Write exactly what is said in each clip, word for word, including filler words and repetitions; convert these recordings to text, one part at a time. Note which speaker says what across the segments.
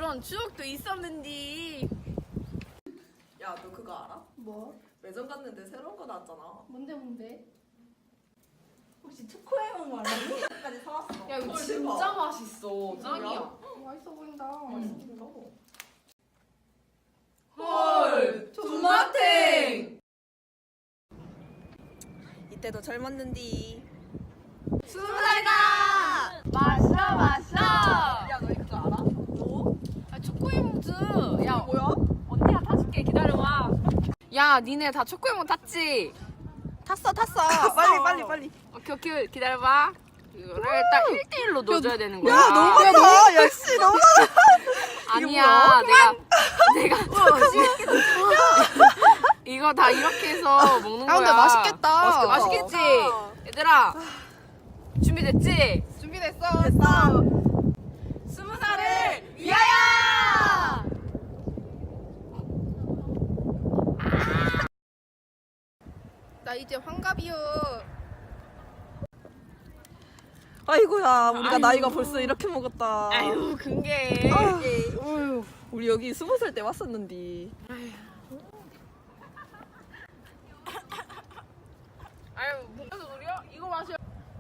Speaker 1: 그런 추억도 있었는데.
Speaker 2: 야, 너 그거 알아?
Speaker 3: 뭐?
Speaker 2: 매점 갔는데 새로운 거 나왔잖아.
Speaker 3: 뭔데 뭔데? 혹시 초코에몽 말하니?
Speaker 2: 까지 사왔어.
Speaker 1: 야 이거
Speaker 2: 헐,
Speaker 1: 진짜
Speaker 2: 대박.
Speaker 1: 맛있어. 짱이야.
Speaker 3: 맛있어 보인다.
Speaker 2: 맛있긴다.
Speaker 1: 헐.
Speaker 2: 존맛탱. 이때도 젊었는디.
Speaker 1: 스무 살이다. 마셔 마셔.
Speaker 2: 야, 너희 그거 알아? 뭐?
Speaker 1: 아, 초코에몽즈. 야
Speaker 2: 뭐야?
Speaker 1: 언니가 타줄게. 기다려봐. 야 니네 다 초코에몽 탔지?
Speaker 2: 탔어, 탔어. 빨리, 빨리, 빨리.
Speaker 1: 오케이 오케이 기다려봐. 이거를 딱 일 대일로 넣어줘야 되는 거야.
Speaker 2: 야, 너무 많다. 야, 씨, 너무 많아.
Speaker 1: 아니야 내가 내가 이거 다 이렇게 해서 먹는 거야.
Speaker 3: 아, 근데 맛있겠다.
Speaker 1: 맛있겠지? 얘들아 준비됐지?
Speaker 3: 준비됐어.
Speaker 2: 됐어.
Speaker 1: 스무 살을 위하여!
Speaker 3: 나 이제 환갑이요.
Speaker 2: 아이고야, 우리가
Speaker 1: 아이고.
Speaker 2: 나이가 벌써 이렇게 먹었다.
Speaker 1: 아유 근게
Speaker 2: 아, 우리 여기 스무 살 때 왔었는데.
Speaker 1: 아유 무슨 소리야? 이거 마셔.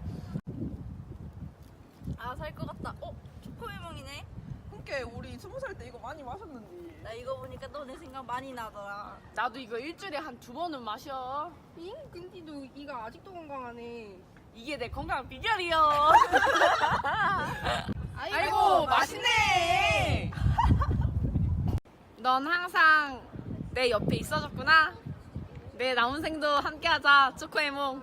Speaker 1: 아 살 것 같다. 어? 초코에몽이네?
Speaker 2: 그니까 우리 스무 살 때 이거 많이 마셨는데.
Speaker 4: 나 이거 보니까 너네 생각 많이 나더라.
Speaker 1: 나도 이거 일주일에 한 두 번은 마셔.
Speaker 3: 잉? 근데 너 이가 아직도 건강하네.
Speaker 1: 이게 내 건강 비결이요.
Speaker 3: 아이고,
Speaker 1: 아이고 맛있네. 넌 항상 내 옆에 있어줬구나. 내 남은 생도 함께하자 초코에몽.